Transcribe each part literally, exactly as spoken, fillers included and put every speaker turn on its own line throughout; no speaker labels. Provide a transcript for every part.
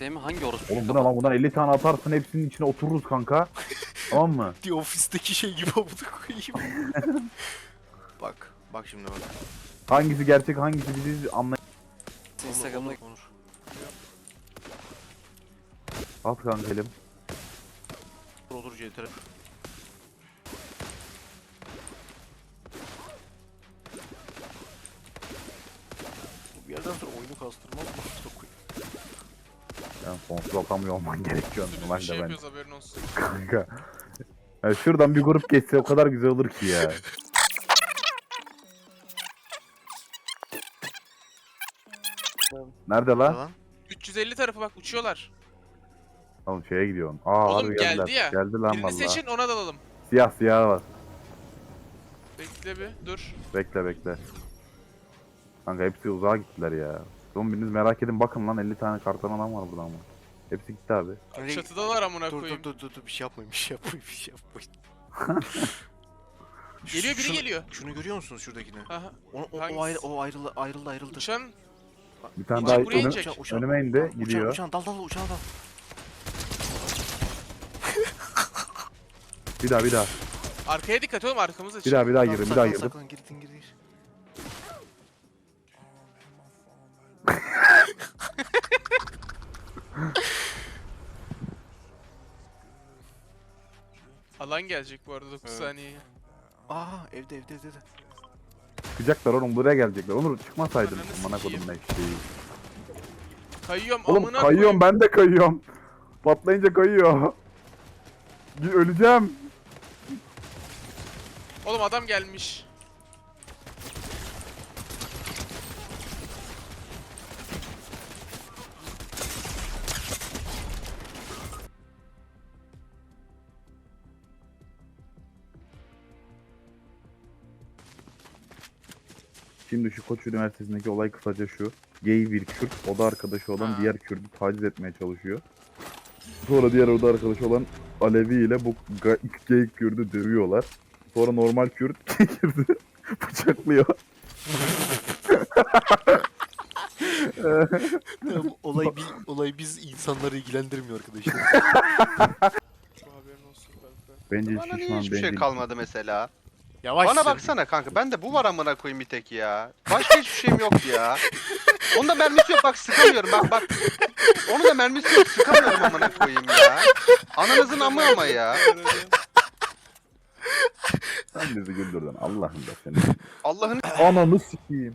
S mi? Hangi orospu?
Oğlum buna lan bundan elli tane atarsın hepsinin içine otururuz kanka. Tamam mı?
The Office'deki şey gibi amuda koyayım. Bak. Bak şimdi bak.
Hangisi gerçek hangisi biziz anlay...
Instagram'da
Onur, Onur.
At kanka elim.
Olur olur C T R. Bir yerden sonra oyunu kastırmaz mı?
Yani sonsuz atamıyor olman gerekiyor
Bir
normalde
şey
ben.
yapıyoruz haberin olsun.
Kanka. Ya şuradan bir grup geçse o kadar güzel olur ki ya. Nerede lan?
Lan.
üç yüz elli tarafı bak uçuyorlar.
Oğlum şeye gidiyorsun. Aa
Oğlum
harbi geldiler.
geldi ya.
Geldi lan
Birini
valla.
seçin ona dalalım.
Siyah siyah var.
Bekle bir dur.
Bekle bekle. Kanka hepsi uzağa gittiler ya. Oğlum biriniz merak edin bakın lan elli tane karton adam var burada ama. Hepsi gitti abi.
Nereye-
Çatıdalar amına
Dur
koyayım.
dur dur dur dur bir şey yapmayın bir şey yapmayın bir şey yapmayın.
Geliyor biri
Şunu-
geliyor.
Şunu görüyor musunuz şuradakini?
Aha.
O, o,
Hangisi?
o, ayrı, o ayrıldı ayrıldı ayrıldı.
Uçan
Bir tane
İnecek,
daha
buraya
önüm-
inecek.
önüme indi
Uçan,
gidiyor.
uçan dal dal uçağa dal.
Bir daha bir daha.
arkaya dikkat oğlum arkamız açık.
Bir daha bir daha
Tamam,
girdim bir daha
saklan,
girdim.
saklan, girdin girdin.
Alan gelecek bu arada dokuz
Evet.
saniyeye.
Aa evde evde evde. evde.
Çıkacaklar oğlum buraya gelecekler. Onur çıkmasaydın.
Ananı
Amına
sikeyim.
kodum ne şeyi.
Kayıyorum
Oğlum
amına
kayıyorum ben de kayıyorum. Patlayınca kayıyor. Bir öleceğim.
Oğlum adam gelmiş.
Şimdi şu Koç Üniversitesi'ndeki olay kısaca şu. Gay bir Kürt, oda arkadaşı olan
Ha.
diğer Kürt'ü taciz etmeye çalışıyor. Sonra diğer oda arkadaşı olan Alevi ile bu ga- gay Kürt'ü dövüyorlar. Sonra normal Kürt Kürt'ü bıçaklıyor.
Ya bu olay bir olay biz insanları ilgilendirmiyor arkadaşlar.
Şu haberin olsun kanka.
Bence
Bana niye
şişman,
hiçbir şey
bencil.
kalmadı mesela?
Yavaş.
Bana baksana kanka, ben de bu var amına koyayım bir tek ya. Başka hiçbir şeyim yok ya. Onda mermisi yok bak, sıkamıyorum bak bak. Onun da mermisi yok, sıkamıyorum amına koyayım ya. Ananızın amı ama ya.
Sen bizi güldürdün Allah'ım da seni.
Allah'ın
Ananı sikeyim.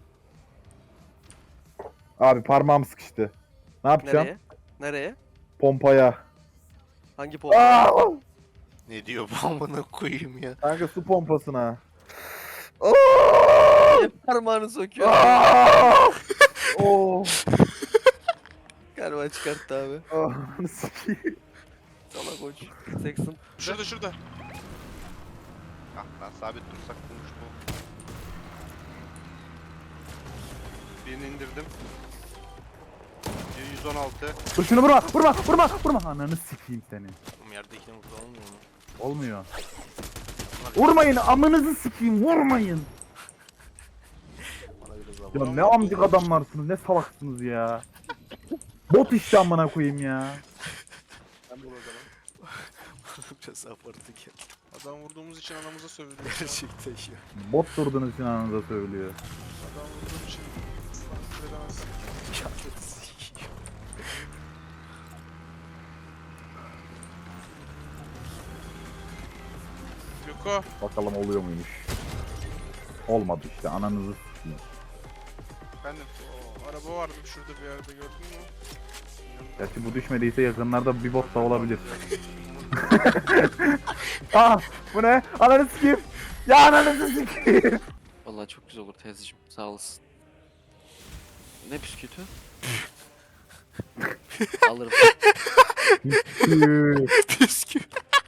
Abi parmağım sıkıştı. Ne yapacağım?
Nereye? Nereye?
Pompaya.
Hangi pompa?
Aa!
Ne diyor bu amına koyayım ya.
Kanka su pompasına.
Hep parmağını sokuyor.
Aa! Oo!
Galiba çıkarttı abi.
Ananı sikeyim.
Salak koç. Sexton.
Şurada şurada.
Ah lan, sabit dursak bulmuş bu. Birini indirdim. yüz on altı.
Dur şunu vurma, vurma, vurma, vurma. Ananı sikeyim seni.
Oğlum yerdekine vurdu olmuyor mu?
Olmuyor. Vurmayın, amınızı sikeyim, vurmayın.
Bana biraz daha
Ya
vur.
ne amcık adamlarsınız, ne salaksınız ya. Bot işte amına koyayım ya.
Biraz daha abartı geldi.
Adam vurduğumuz için anamıza sövülüyor.
Gerçekten ya.
Bot durduğunuz için ananıza söylüyor.
Adam vurduğum için. Lan edemez. Yuko.
Bakalım oluyor muymuş. Olmadı işte, ananızı sikeyim.
Efendim.
O araba vardı şurada bir yerde gördün mü?
Gerçi bu düşmediyse yakınlarda bir bot da olabilir. Ah, bu ne? Ananı sikeyim. Ya ananızı sikeyim.
Vallahi çok güzel olur teyzeciğim. Sağ olasın. Ne bisküvitü? Alırım.
Bisküvi.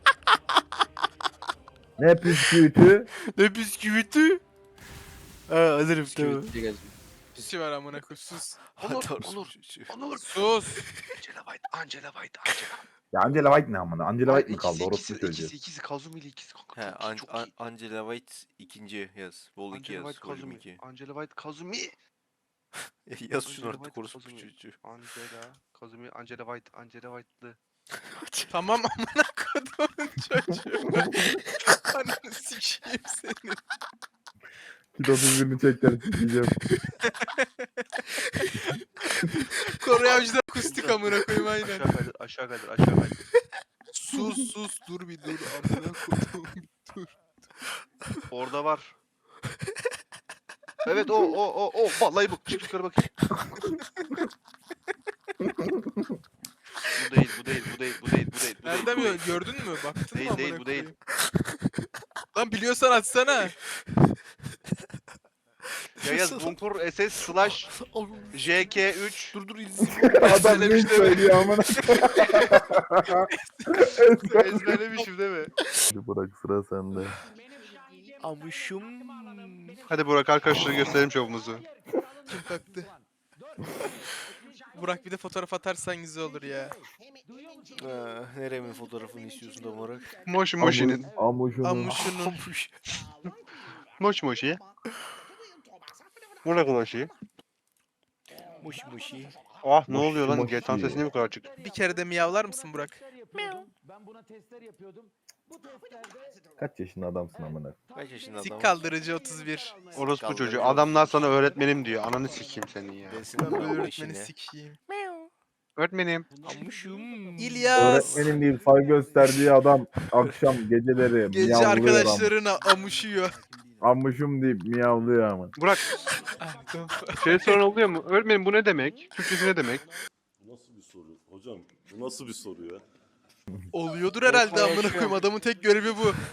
Ne püsküvütü?
Ne bisküviti? Ha alırım tamam.
Bisküvit diye geziyor.
Pisi var amına koy sus.
Onur,
Onur, Onur.
Sus.
Angela White, Angela White, Angela.
Ya Angela White ne amına? Angela White mi kaldı?
İkisi,
Orası
ikisi,
söyleyeceğiz.
ikisi, ikisi, Kazumi ile ikisi. Kanka,
He
çok iyi,
An
çok
An
iyi.
Angela White ikinci yaz. Vol iki
Angela
yaz.
White,
Vol
Kazumi.
iki.
Angela White, Kazumi.
Yaz şunu
Angela
artık
White,
korusun bu
Kazumi.
çocuğu.
Angela, Kazumi, Angela White, Angela White'lı.
Tamam amına kodumun çocuğu. Ananı sikeyim seni.
Kit otuz birini çekler sikeceğim.
Kore avcıda akustik amına koyayım aynen.
Aşağı kaydır, aşağı kaydır, aşağı kaydır.
Sus sus dur bir dur amına kodum.
Orada var. Evet o o o o vallahi bu. Çık yukarı bakayım. Bu değil, bu değil, bu değil, bu değil, bu değil. Bu
Nereden
değil, bu
biliyorsun?
değil.
Gördün mü? Baktın
Değil,
mı
değil,
amına
bu değil.
koyayım? Lan biliyorsan atsana.
Yayaz Bunkur S S slash J K üç.
Dur dur izin.
Adam ne söylüyor amına.
Ezberlemişim değil mi?
Bırak sıra sende.
Amışım.
Hadi Burak arkadaşlara gösterelim şovumuzu.
Kim kalktı? Burak bir de fotoğraf atarsan güzel olur ya.
Ha, neremin fotoğrafını istiyorsun tam olarak?
Moş Moşi'nin.
Amuşunu.
Amuşunun.
Amış.
Moş Moşi. Burak Moşi.
Muş muşi.
Ah ne oluyor lan?
Moşi.
G T A sesi niye bu kadar açık?
Bir kere de miyavlar mısın Burak?
Kaç yaşında adamsın amına?
Kaç yaşında
Sik
adam?
kaldırıcı otuz bir.
Orospu
Kaldırıcı
çocuğu.
olsun.
Adamlar sana öğretmenim diyor. Ananı sikeyim senin ya.
Desin
Ben böyle
ama
öğretmeni
işine.
sikeyim.
Öğretmenim.
Amışım.
İlyas.
Öğretmenim değil saygı gösterdiği adam akşam geceleri
Gece
miyavlıyor am-
arkadaşlarına amuşuyor.
Amuşum deyip miyavlıyor ama.
Burak şey sorun oluyor mu? Öğretmenim bu ne demek? Türkçesi ne demek?
Bu nasıl bir soru? Hocam bu nasıl bir soru ya?
Oluyordur herhalde amına koyayım. Adamın tek görevi bu.